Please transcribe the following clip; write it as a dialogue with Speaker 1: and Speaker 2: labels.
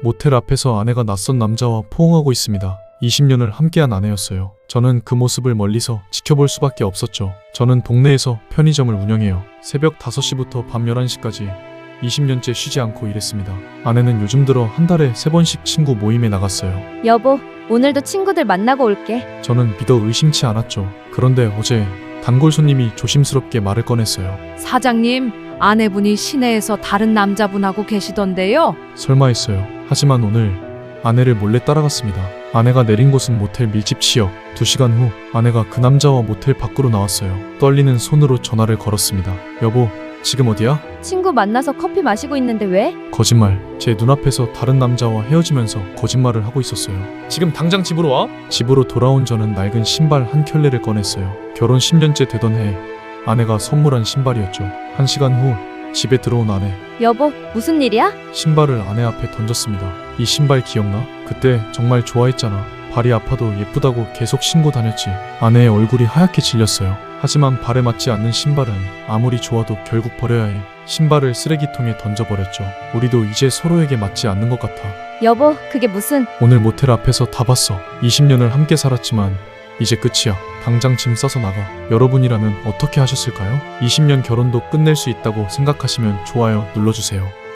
Speaker 1: 모텔 앞에서 아내가 낯선 남자와 포옹하고 있습니다. 20년을 함께한 아내였어요. 저는 그 모습을 멀리서 지켜볼 수밖에 없었죠. 저는 동네에서 편의점을 운영해요. 새벽 5시부터 밤 11시까지 20년째 쉬지 않고 일했습니다. 아내는 요즘 들어 한 달에 3번씩 친구 모임에 나갔어요.
Speaker 2: 여보, 오늘도 친구들 만나고 올게.
Speaker 1: 저는 믿어 의심치 않았죠. 그런데 어제 단골 손님이 조심스럽게 말을 꺼냈어요.
Speaker 3: 사장님, 아내분이 시내에서 다른 남자분하고 계시던데요.
Speaker 1: 설마 했어요. 하지만 오늘 아내를 몰래 따라갔습니다. 아내가 내린 곳은 모텔 밀집 지역. 2시간 후 아내가 그 남자와 모텔 밖으로 나왔어요. 떨리는 손으로 전화를 걸었습니다. 여보, 지금 어디야?
Speaker 2: 친구 만나서 커피 마시고 있는데 왜?
Speaker 1: 거짓말. 제 눈앞에서 다른 남자와 헤어지면서 거짓말을 하고 있었어요. 지금 당장 집으로 와? 집으로 돌아온 저는 낡은 신발 한 켤레를 꺼냈어요. 결혼 10년째 되던 해 아내가 선물한 신발이었죠. 1시간 후 집에 들어온 아내.
Speaker 2: 여보, 무슨 일이야?
Speaker 1: 신발을 아내 앞에 던졌습니다. 이 신발 기억나? 그때 정말 좋아했잖아. 발이 아파도 예쁘다고 계속 신고 다녔지. 아내의 얼굴이 하얗게 질렸어요. 하지만 발에 맞지 않는 신발은 아무리 좋아도 결국 버려야 해. 신발을 쓰레기통에 던져버렸죠. 우리도 이제 서로에게 맞지 않는 것 같아.
Speaker 2: 여보, 그게 무슨...
Speaker 1: 오늘 모텔 앞에서 다 봤어. 20년을 함께 살았지만 이제 끝이야. 당장 짐 싸서 나가. 여러분이라면 어떻게 하셨을까요? 20년 결혼도 끝낼 수 있다고 생각하시면 좋아요 눌러주세요.